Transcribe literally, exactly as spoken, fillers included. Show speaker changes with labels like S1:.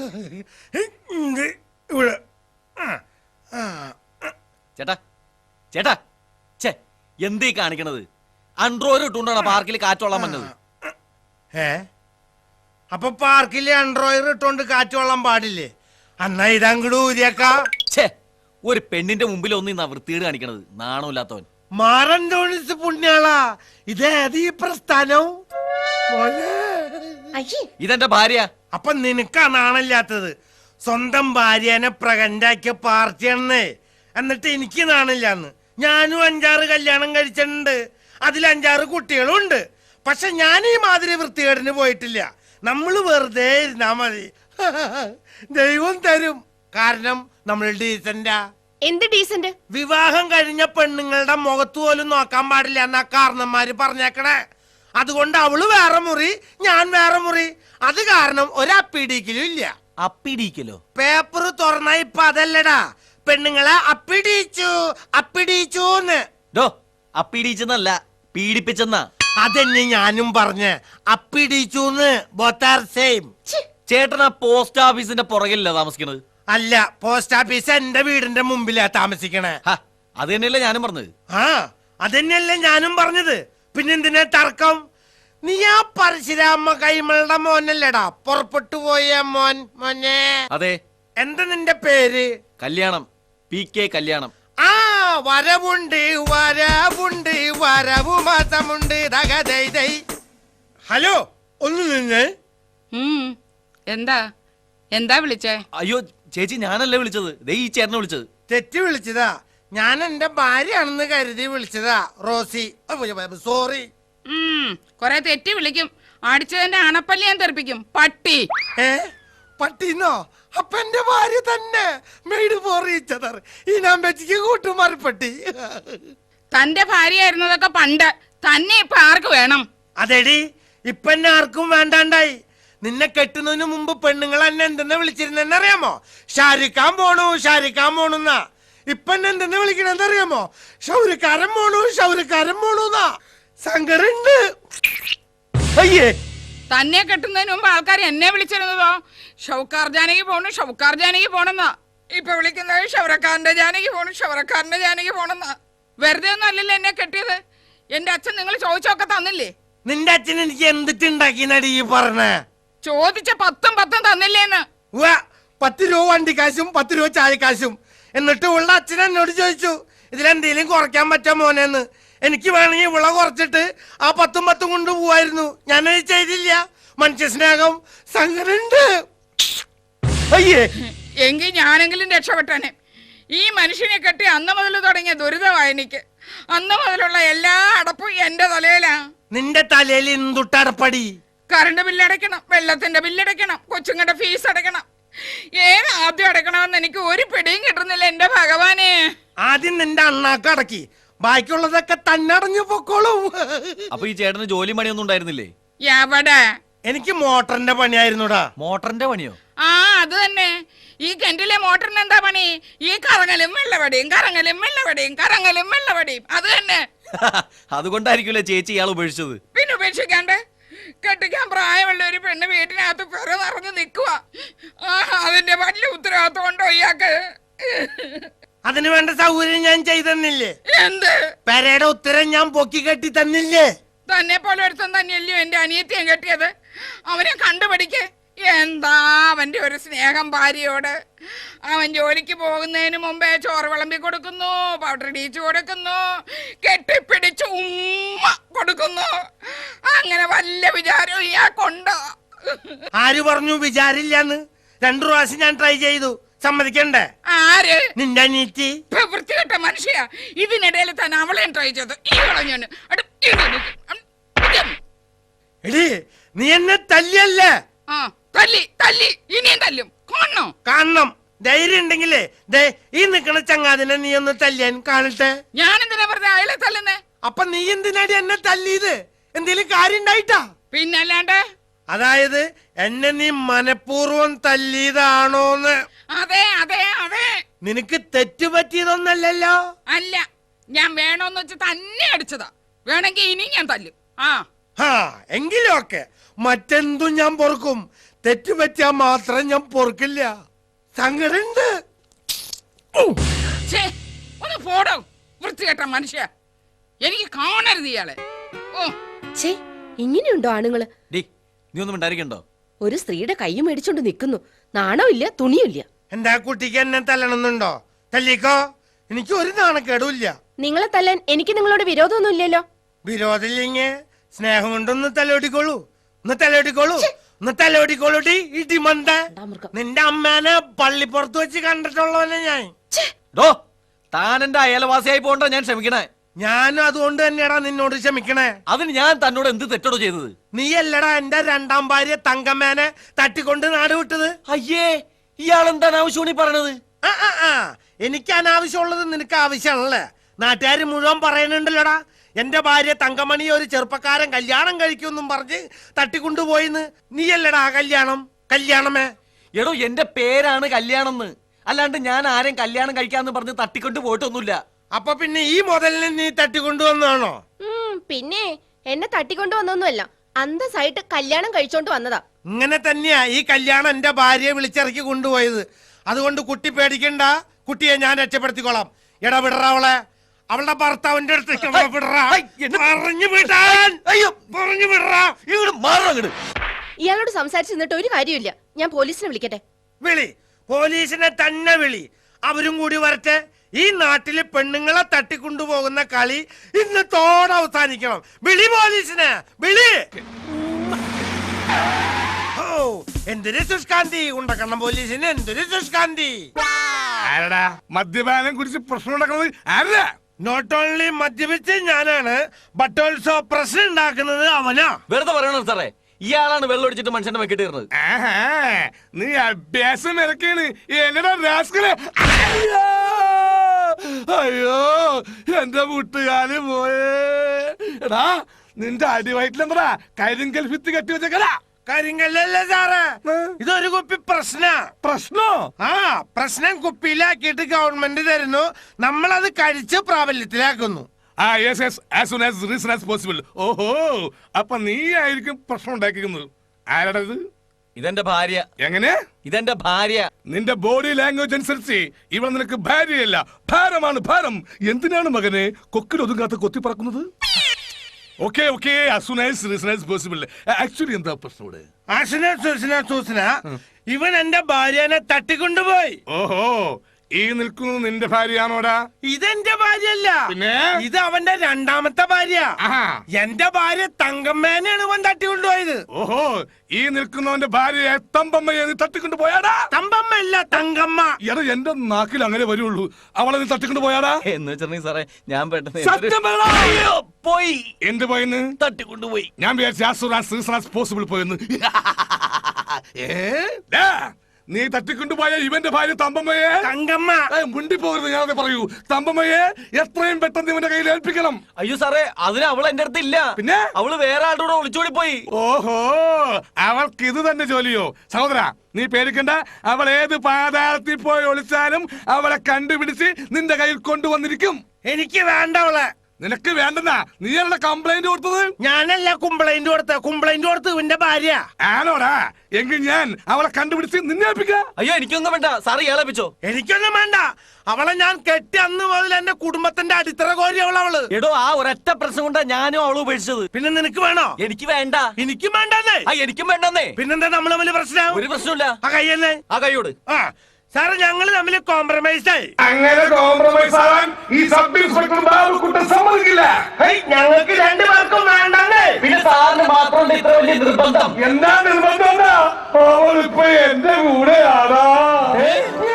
S1: ചേട്ടാ ചേട്ടാ ചേ എന്തീ കാണിക്കണത്? അൺട്രോയിൽ ഇട്ടുകൊണ്ടാണ് പാർക്കിൽ കാറ്റോളാൻ വന്നത്.
S2: ഏ അപ്പൊ പാർക്കില് അൺട്രോയിൽ ഇട്ടോണ്ട് കാറ്റോളാൻ പാടില്ലേ? അന്നാ ഇതങ്ങട് ഊരിയേക്കാ.
S1: ഛേ, ഒരു പെണ്ണിന്റെ മുമ്പിൽ ഒന്നും ഇന്നാ വൃത്തികേട് കാണിക്കണത്. നാണമില്ലാത്തവൻ.
S2: മാറന്തോണിസ് പുണ്യാളാ, ഇതേത് ഈ പ്രസ്ഥാനം?
S1: ഇതെന്റെ ഭാര്യ.
S2: അപ്പൊ നിനക്കാ നാണില്ലാത്തത്? സ്വന്തം ഭാര്യനെ പ്രകണ്ടാക്കിയ പാർട്ടിയാണെന്നേ. എന്നിട്ട് എനിക്ക് നാണില്ലാന്ന്. ഞാനും അഞ്ചാറ് കല്യാണം കഴിച്ചിട്ടുണ്ട്, അതിൽ അഞ്ചാറ് കുട്ടികളും ഉണ്ട്. പക്ഷെ ഞാൻ ഈ മാതിരി വൃത്തികേടിന് പോയിട്ടില്ല. നമ്മള് വെറുതെ ഇരുന്നാ മതി, ദൈവം തരും. കാരണം നമ്മൾ ഡീസന്റാ.
S3: എന്ത് ഡീസന്റ്?
S2: വിവാഹം കഴിഞ്ഞ പെണ്ണുങ്ങളുടെ മുഖത്ത് പോലും നോക്കാൻ പാടില്ല എന്നാ കാരണന്മാര് പറഞ്ഞേക്കണേ. അതുകൊണ്ട് അവള് വേറെ മുറി, ഞാൻ വേറെ മുറി. അത് കാരണം ഒരപ്പിടിക്കലും ഇല്ല.
S1: അപ്പിടിക്കലോ?
S2: പേപ്പർ തുറന്ന ഇപ്പൊ അതല്ലടാ, പെണ്ണുങ്ങളെ അപ്പിടിച്ചു അപ്പിടിച്ചൂന്ന്.
S1: അപ്പിടിച്ചെന്നല്ല, പീഡിപ്പിച്ചെന്നാ.
S2: അതെന്നെ ഞാനും പറഞ്ഞ്, അപ്പിടിച്ചൂന്ന്. Both are same.
S1: ചേട്ടൻ ആ പോസ്റ്റ് ഓഫീസിന്റെ പുറകിലല്ല താമസിക്കണത്?
S2: അല്ല, പോസ്റ്റ് ഓഫീസ് എന്റെ വീടിന്റെ മുമ്പിലാ താമസിക്കണേ.
S1: അത് തന്നെയല്ലേ ഞാനും പറഞ്ഞത്.
S2: ആ അതന്നെയല്ലേ ഞാനും പറഞ്ഞത്. പിന്നെന്തിനാ തർക്കം? നീ ആ പരശുരാമ കൈമളുടെ മോനല്ലേടാ പുറപ്പെട്ടു പോയ മോൻ? മോനെ. അതെ. എന്താ നിന്റെ പേര്?
S1: കല്യാണം. പി കെ കല്യാണം.
S2: ആ വരവുണ്ട് വരവുണ്ട് വരവു മാസമുണ്ട്. ഹലോ, ഒന്ന് നിന്ന്.
S4: എന്താ എന്താ വിളിച്ചേ?
S1: അയ്യോ ചേച്ചി, ഞാനല്ലേ വിളിച്ചത്, ദേ ഈ ചേട്ടനെ വിളിച്ചത്.
S2: തെറ്റി വിളിച്ചതാ. ഞാൻ എന്റെ ഭാര്യയാണെന്ന് കരുതി വിളിച്ചതാ, റോസി. സോറി.
S4: കൊറേ തെറ്റി വിളിക്കും. അടിച്ചതിന്റെ അണപ്പല്ലി ഞാൻ തെറിപ്പിക്കും, പട്ടി.
S2: ഏ പട്ടിന്നോ? അപ്പൊ എന്റെ ഭാര്യ തന്നെ. Made for each other. ഈ നമ്പച്ചിക്ക് കൂട്ടുമാറിപ്പട്ടി.
S4: തന്റെ ഭാര്യയായിരുന്നതൊക്കെ പണ്ട്, തന്നെ ഇപ്പൊ ആർക്ക് വേണം?
S2: അതെടി, ഇപ്പൊ എന്നെ ആർക്കും വേണ്ടാണ്ടായി. നിന്നെ കെട്ടുന്നതിന് മുമ്പ് പെണ്ണുങ്ങൾ എന്നെ എന്തെന്ന് വിളിച്ചിരുന്നെന്നറിയാമോ? ഷാരിക്കാൻ പോണു ഷാരിക്കാൻ പോണുന്നാ. ഇപ്പൊ എന്നെ എന്തെന്ന് വിളിക്കണെന്നറിയാമോ? ഷൗരിക്കാരൻ പോണു ഷൗരിക്കാരൻ പോണുന്നാ. സങ്കടുണ്ട്.
S1: അയ്യേ,
S4: തന്നെ കെട്ടുന്നതിന് മുമ്പ് ആൾക്കാർ എന്നെ വിളിച്ചിരുന്നതോ ഷൗക്കാർ ജാനകി പോണു ഷൗക്കാർ ജാനകി പോണെന്നാ. ഇപ്പൊ വിളിക്കുന്നത് ഷൗറക്കാരന്റെ ജാനകി പോണു ഷൗറക്കാരന്റെ ജാനകി പോണെന്നാ. വെറുതെ ഒന്നും അല്ലല്ലോ എന്നെ കെട്ടിയത്. എന്റെ അച്ഛൻ നിങ്ങൾ ചോദിച്ചൊക്കെ തന്നില്ലേ?
S2: നിന്റെ അച്ഛൻ എനിക്ക് എന്തിട്ടുണ്ടാക്കിനടി ഈ പറഞ്ഞേ?
S4: ചോദിച്ച പത്തും പത്തും തന്നില്ലേന്ന്.
S2: പത്ത് രൂപ വണ്ടിക്കാശും പത്ത് രൂപ ചായക്കാശും. എന്നിട്ട് ഉള്ള അച്ഛൻ എന്നോട് ചോദിച്ചു, ഇതിലെന്തേലും കുറയ്ക്കാൻ പറ്റാ മോനെന്ന്. എനിക്ക് വേണമെങ്കിൽ ഇവളെ കുറച്ചിട്ട് ആ പത്തും പത്തും കൊണ്ട് പോവായിരുന്നു. ഞാനത് ചെയ്തില്ല. മനുഷ്യ സ്നേഹം. സങ്കടുണ്ട്.
S1: അയ്യേ,
S4: എങ്കിൽ ഞാനെങ്കിലും രക്ഷപ്പെട്ടനെ. ഈ മനുഷ്യനെ കെട്ടി അന്ന് മുതൽ തുടങ്ങിയ ദുരിതമായി എനിക്ക്. അന്ന് മുതലുള്ള എല്ലാ അടപ്പും എന്റെ തലയിലാ.
S2: നിന്റെ തലയിൽ എന്തുട്ടടപ്പടി?
S4: കറണ്ട് ബില്ലടയ്ക്കണം, വെള്ളത്തിന്റെ ബില്ലടയ്ക്കണം, കൊച്ചുങ്ങളുടെ ഫീസ് അടയ്ക്കണം. ഏത് ആദ്യം അടയ്ക്കണമെന്ന് എനിക്ക് ഒരു പിടിയും കിട്ടുന്നില്ല എന്റെ ഭഗവാനെ.
S2: ആദ്യം നിന്റെ അണ്ണാക്ക് അടക്കി, ബാക്കിയുള്ളതൊക്കെ തന്നെ അടഞ്ഞു പൊക്കോളും.
S1: അപ്പൊ ഈ ചേട്ടന് ജോലി പണിയൊന്നും ഉണ്ടായിരുന്നില്ലേ?
S4: എവിടെ?
S2: എനിക്ക് മോട്ടറിന്റെ പണിയായിരുന്നുടാ.
S1: മോട്ടറിന്റെ പണിയോ?
S4: ആ അത് തന്നെ. ഈ കിണറ്റിലെ മോട്ടറിന് എന്താ പണി? ഈ കറങ്ങലും വെള്ളവടിയും കറങ്ങലും വെള്ളവടിയും കറങ്ങലും വെള്ളവടിയും. അത് തന്നെ.
S1: അതുകൊണ്ടായിരിക്കുമല്ലേ ചേച്ചി ഇയാൾ ഉപേക്ഷിച്ചത്?
S4: പിന്നെ ഉപേക്ഷിക്കാണ്ട്? കെട്ടിക്കാൻ പ്രായമുള്ള ഒരു പെണ്ണ് വീട്ടിനകത്ത് പെറ നിറഞ്ഞു നിൽക്കുക. അതിന്റെ വലിയ ഉത്തരവാദിത്വം ഉണ്ടോ ഇയാൾക്ക്?
S2: അതിന് വേണ്ട സൗകര്യം ഞാൻ ചെയ്തെന്നില്ലേ?
S4: എന്ത്?
S2: പെരയുടെ ഉത്തരം ഞാൻ പൊക്കി കെട്ടി തന്നില്ലേ?
S4: തന്നെ പോലെ ഒരുത്തൻ തന്നെയല്ലയോ എന്റെ അനിയത്തിയും കെട്ടിയത്. അവനെ കണ്ടുപിടിക്ക്. എന്താ അവന്റെ ഒരു സ്നേഹം ഭാര്യയോട്. അവൻ ജോലിക്ക് പോകുന്നതിന് മുമ്പേ ചോറ് വിളമ്പി കൊടുക്കുന്നു, പൗഡർ ഇടിച്ചു കൊടുക്കുന്നു, കെട്ടിപ്പിടിച്ച് ഉമ്മ കൊടുക്കുന്നു. അങ്ങനെ വല്ല വിചാരവും ഇയാൾക്കുണ്ടോ?
S2: ആര് പറഞ്ഞു വിചാരില്ലാന്ന്? രണ്ടു പ്രാവശ്യം ഞാൻ ട്രൈ ചെയ്തു. സമ്മതിക്കണ്ടേ?
S4: ആര്?
S2: നിന്റെ അനിയത്തി.
S4: വൃത്തികെട്ട മനുഷ്യ. ഇതിനിടയിൽ തന്നെ അവളെയും ട്രൈ ചെയ്തു. ഈ കളഞ്ഞു.
S2: എടി, നീ എന്നെ തല്ലിയല്ലേ?
S4: ആ തല്ലി തല്ലി ഇനിയും തല്ലും. കാണണോ?
S2: കാണണം. ധൈര്യം ഉണ്ടെങ്കിലേ ദേ ഈ നിക്കണ ചങ്ങാതിനെ നീ ഒന്ന് തല്ലിയാൻ കാണട്ടെ.
S4: ഞാൻ എന്തിനാ പറഞ്ഞ അയാളെ തല്ലുന്നേ?
S2: അപ്പൊ നീ എന്തിനാടി എന്നെ തല്ലിയത്? എന്തേലും കാര്യം ഉണ്ടായിട്ടാ?
S4: പിന്നല്ലാണ്ട്.
S2: അതായത് എന്നെ നീ മനഃപൂർവ്വം തല്ലിയതാണോന്ന്?
S4: അതെ അതെ അതെ.
S2: നിനക്ക് തെറ്റുപറ്റിയതൊന്നല്ലല്ലോ?
S4: അല്ല, ഞാൻ വേണോന്ന് വെച്ച് തന്നെ അടിച്ചതാ. വേണമെങ്കിൽ ഇനി ഞാൻ തല്ലും. ആ
S2: ആ എങ്കിലും ഒക്കെ മറ്റെന്തും ഞാൻ പൊറുക്കും, തെറ്റുപറ്റിയാ മാത്രം ഞാൻ പൊറുക്കില്ല. സങ്കടുണ്ട്.
S4: ഛേ, ഒന്ന് പോടോ വൃത്തികെട്ട മനുഷ്യ, എനിക്ക് കാണരുത് ഇയാളെ. ഓ
S3: ഛേ, ഇങ്ങനെയുണ്ടോ ആണുങ്ങള്?
S1: ഡി നീ ഒന്നും ഉണ്ടായിരിക്കണ്ടോ?
S3: ഒരു സ്ത്രീയുടെ കൈ മേടിച്ചോണ്ട് നിൽക്കുന്നു, നാണമില്ല തുണിയില്ല.
S2: എന്റെ ആ കുട്ടിക്ക് എന്നെ തല്ലണമെന്നുണ്ടോ? തല്ലിക്കോ, എനിക്ക് ഒരു നാണക്കേടുമില്ല.
S3: നിങ്ങളെ തല്ലാൻ എനിക്ക് നിങ്ങളോട് വിരോധമൊന്നും ഇല്ലല്ലോ.
S2: വിരോധമില്ലെങ്കിൽ സ്നേഹം കൊണ്ടൊന്ന് തലോടിക്കോളൂ, ഒന്ന് തലോടിക്കോളൂ, ഒന്ന് തലോടിക്കോളൂടി. ഇടിമന്ത, നിന്റെ അമ്മേനെ പള്ളിപ്പുറത്ത് വെച്ച് കണ്ടിട്ടുള്ളവനെ ഞാൻ.
S1: ഡോ താൻ എന്റെ അയൽവാസിയായി പോകണ്ടോ ഞാൻ ക്ഷമിക്കണേ.
S2: ഞാനും അതുകൊണ്ട് തന്നെയാടാ നിന്നോട് ക്ഷമിക്കണേ.
S1: അതിന് ഞാൻ തന്നോട് എന്ത് തെറ്റടോ ചെയ്തത്?
S2: നീ അല്ലടാ എന്റെ രണ്ടാം ഭാര്യ തങ്കമ്മേനെ തട്ടിക്കൊണ്ട് നാട് വിട്ടത്.
S1: അയ്യേ, ഇയാൾ എന്താണ് ആവശ്യമാണ് ഈ പറയണത്?
S2: ആ ആ ആ എനിക്ക് അനാവശ്യമുള്ളത് നിനക്ക് ആവശ്യമാണല്ലേ? നാട്ടുകാർ മുഴുവൻ പറയുന്നുണ്ടല്ലോടാ, എന്റെ ഭാര്യ തങ്കമണി ഒരു ചെറുപ്പക്കാരൻ കല്യാണം കഴിക്കുമെന്നും പറഞ്ഞ് തട്ടിക്കൊണ്ടുപോയിന്ന്. നീയല്ലടാ ആ കല്യാണം കല്യാണമേ.
S1: എടോ എന്റെ പേരാണ് കല്യാണം എന്ന്, അല്ലാണ്ട് ഞാൻ ആരെയും കല്യാണം കഴിക്കാന്ന് പറഞ്ഞ് തട്ടിക്കൊണ്ട് പോയിട്ടൊന്നുമില്ല.
S2: അപ്പൊ പിന്നെ ഈ മുതലിനെ നീ തട്ടിക്കൊണ്ടുവന്നാണോ?
S3: ഉം, പിന്നെ എന്നെ തട്ടിക്കൊണ്ടു വന്നൊന്നുമല്ല, അന്തസ്സായിട്ട് കല്യാണം കഴിച്ചോണ്ട് വന്നതാ.
S2: ഇങ്ങനെ തന്നെയാ ഈ കല്യാണം എന്റെ ഭാര്യയെ വിളിച്ചിറക്കി കൊണ്ടുപോയത്. അതുകൊണ്ട് കുട്ടി പേടിക്കണ്ട, കുട്ടിയെ ഞാൻ രക്ഷപ്പെടുത്തിക്കോളാം. എടാ വിടറ അവളെ, അവളുടെ ഭർത്താവിന്റെ അടുത്തേക്ക് പറഞ്ഞു വിടാൻ. അയ്യോ പറഞ്ഞു വിടറാ.
S3: ഇയാളോട് സംസാരിച്ച് നിന്നിട്ട് ഒരു കാര്യമില്ല, ഞാൻ പോലീസിനെ വിളിക്കട്ടെ.
S2: വിളി, പോലീസിനെ തന്നെ വിളി, അവരും കൂടി വരട്ടെ. ഈ നാട്ടില് പെണ്ണുങ്ങളെ തട്ടിക്കൊണ്ടുപോകുന്ന കളി ഇന്ന് തോടെ അവസാനിക്കണം. വിളി പോലീസിനെ, വിളി. ഓ എന്തൊരു സുഷ്കാന്തി, ഉണ്ടക്കണം പോലീസിന് എന്തൊരു സുഷ്കാന്തി.
S5: ആരടാ മദ്യപാനം കുറിച്ച് പ്രശ്നം ഉണ്ടാക്കുന്നത്? ആരടാ?
S2: നോട്ട് ഓൺലി മദ്യപിച്ച് ഞാനാണ്, ബട്ട് ഓൾസോ പ്രശ്നം ഉണ്ടാക്കുന്നത് അവനാ.
S1: വെറുതെ പറയണോ സാറേ, ഇയാളാണ് വെള്ളം ഒടിച്ചിട്ട് മനുഷ്യന്റെ വെക്കിട്ട് കയറുന്നത്.
S5: ആഹാ, നീ അഭ്യാസം ഇറക്കാണ് എന്നടാ രാസ്കലേ. അയ്യോ അയ്യോ എന്റെ മുട്ടുകാല് പോയേ. എടാ നിന്റെ അടിവയറ്റിലെന്താ കരിങ്കൽ ഭിത്തി കെട്ടി വെച്ചേക്കടാ?
S2: കാര്യങ്ങളല്ലേ സാറേ, ഇതൊരു കുപ്പി പ്രശ്ന.
S5: പ്രശ്നോ?
S2: ആ പ്രശ്നം കുപ്പിയിലാക്കിയിട്ട് ഗവൺമെന്റ് തരുന്നു, നമ്മളത് കഴിച്ച് പ്രാബല്യത്തിലാക്കുന്നു.
S5: ആ yes yes as soon as reason as possible. ഓഹോ, അപ്പൊ നീ ആയിരിക്കും പ്രശ്നം ഉണ്ടാക്കിക്കുന്നത്. ആരാടാ ഇത്?
S1: ഇതെന്റെ ഭാര്യ.
S5: എങ്ങനെ?
S1: ഇതെന്റെ ഭാര്യ.
S5: നിന്റെ ബോഡി ലാംഗ്വേജ് അനുസരിച്ച് ഇവൾ നിനക്ക് ഭാര്യയല്ല, ഭാരമാണ്, ഭാരം. എന്തിനാണ് മകനെ കൊക്കിൽ ഒതുങ്ങാത്ത കൊത്തി പറക്കുന്നത്? ഓക്കെ ഓക്കെ ആക്ച്വലി എന്താ പ്രശ്നം ഇവിടെ?
S2: ആശുന സൂസന സൂസന ഇവൻ എന്റെ ഭാര്യനെ തട്ടിക്കൊണ്ടുപോയി.
S5: ഓഹോ, ഈ നിൽക്കുന്നത് നിന്റെ ഭാര്യയാണോടാ?
S2: ഇതെന്റെ ഭാര്യയല്ല,
S5: പിന്നെ
S2: ഇത് അവന്റെ രണ്ടാമത്തെ ഭാര്യ.
S5: ആഹാ.
S2: എന്റെ ഭാര്യ തങ്കമ്മേനെയാണ് ഇവൻ തട്ടിക്കൊണ്ടുപോയത്.
S5: ഓഹോ, ഈ നിൽക്കുന്നവന്റെ ഭാര്യയെ തമ്പമ്മയെ നീ തട്ടിക്കൊണ്ട് പോയാടാ?
S2: തമ്പമ്മ അല്ല തങ്കമ്മ.
S5: എടാ എന്റെ നാക്കിൽ അങ്ങനെ വരുള്ളൂ. അവളെ നീ തട്ടിക്കൊണ്ട് പോയാടാ?
S1: എന്ന് വെച്ചിട്ടുണ്ടെങ്കിൽ സാറേ ഞാൻ പെട്ടെന്ന്
S5: സത്യം പറയടാ.
S1: അയ്യോ, പോയി.
S5: എന്ത് പോയെന്ന്?
S1: തട്ടിക്കൊണ്ടുപോയി.
S5: ഞാൻ വിചാരിച്ചു പോസിബിൾ പോയെന്ന്. ഏ ഡാ, നീ തട്ടിക്കൊണ്ടുപോയ ഇവന്റെ ഭാര്യ തമ്പമ്മയെ
S2: തങ്കമ്മ
S5: മുണ്ടി പോകരുത്, ഞാനത് പറയൂ. തമ്പമ്മയെ എത്രയും പെട്ടെന്ന് ഇവന്റെ കയ്യിൽ ഏൽപ്പിക്കണം.
S1: അയ്യോ സാറേ, അതിന് അവൾ എന്റെ അടുത്ത് ഇല്ല.
S5: പിന്നെ
S1: അവള് വേറെ ആളുടെ കൂടെ ഒളിച്ചോടി പോയി.
S5: ഓഹോ, അവൾക്ക് ഇത് തന്നെ ജോലിയോ? സഹോദര നീ പേടിക്കണ്ട, അവൾ ഏത് പാതാളത്തിൽ പോയി ഒളിച്ചാലും അവളെ കണ്ടുപിടിച്ച് നിന്റെ കയ്യിൽ കൊണ്ടുവന്നിരിക്കും.
S2: എനിക്ക് വേണ്ട അവളെ.
S5: നിനക്ക് വേണ്ടെന്നാ നീയല്ല കംപ്ലൈന്റ് കൊടുത്തത്?
S2: ഞാനല്ല കുംപ്ലൈന്റ് കൊടുത്ത, കുംപ്ലൈന്റ് കൊടുത്ത് ഇവന്റെ ഭാര്യ.
S5: ആണോടാ? എങ്കിൽ ഞാൻ അവളെ കണ്ടുപിടിച്ച് നിന്നെ ഏൽപ്പിക്കാം.
S1: അയ്യോ എനിക്കൊന്നും വേണ്ട സാറ് ഇയാളേപ്പിച്ചോ.
S2: എനിക്കൊന്നും വേണ്ട, അവളെ ഞാൻ കെട്ടി അന്ന് മുതൽ എന്റെ കുടുംബത്തിന്റെ അടിത്തറ കോരി അവൾ അവള്.
S1: എടോ ആ ഒരൊറ്റ പ്രശ്നം കൊണ്ടാ ഞാനും അവള് ഉപേക്ഷിച്ചത്.
S2: പിന്നെ നിനക്ക് വേണോ?
S1: എനിക്ക് വേണ്ട.
S2: എനിക്കും വേണ്ടെന്നേ.
S1: ആ എനിക്കും വേണ്ടെന്നേ.
S2: പിന്നെന്താ നമ്മൾ തമ്മിൽ പ്രശ്നം?
S1: ഒരു പ്രശ്നമില്ല.
S2: ആ കയ്യല്ലേ?
S1: ആ കൈയോട്.
S2: ആ സാറ് ഞങ്ങള് തമ്മിൽ കോംപ്രമൈസ് ആയി.
S5: അങ്ങനെ കോംപ്രമൈസ് ആവാൻ ഈ സബ് ഇൻസ്പെക്ടർ ബാബുക്കുട്ടൻ സമ്മതിക്കില്ല.
S2: ഞങ്ങൾക്ക് രണ്ടുപേർക്കും വേണ്ടെന്നേ.
S1: പിന്നെ സാറിന് മാത്രം ഇത്ര വലിയ നിർബന്ധം?
S5: എന്താ നിർബന്ധം? അവളിപ്പോ എന്റെ കൂടെയാടാ.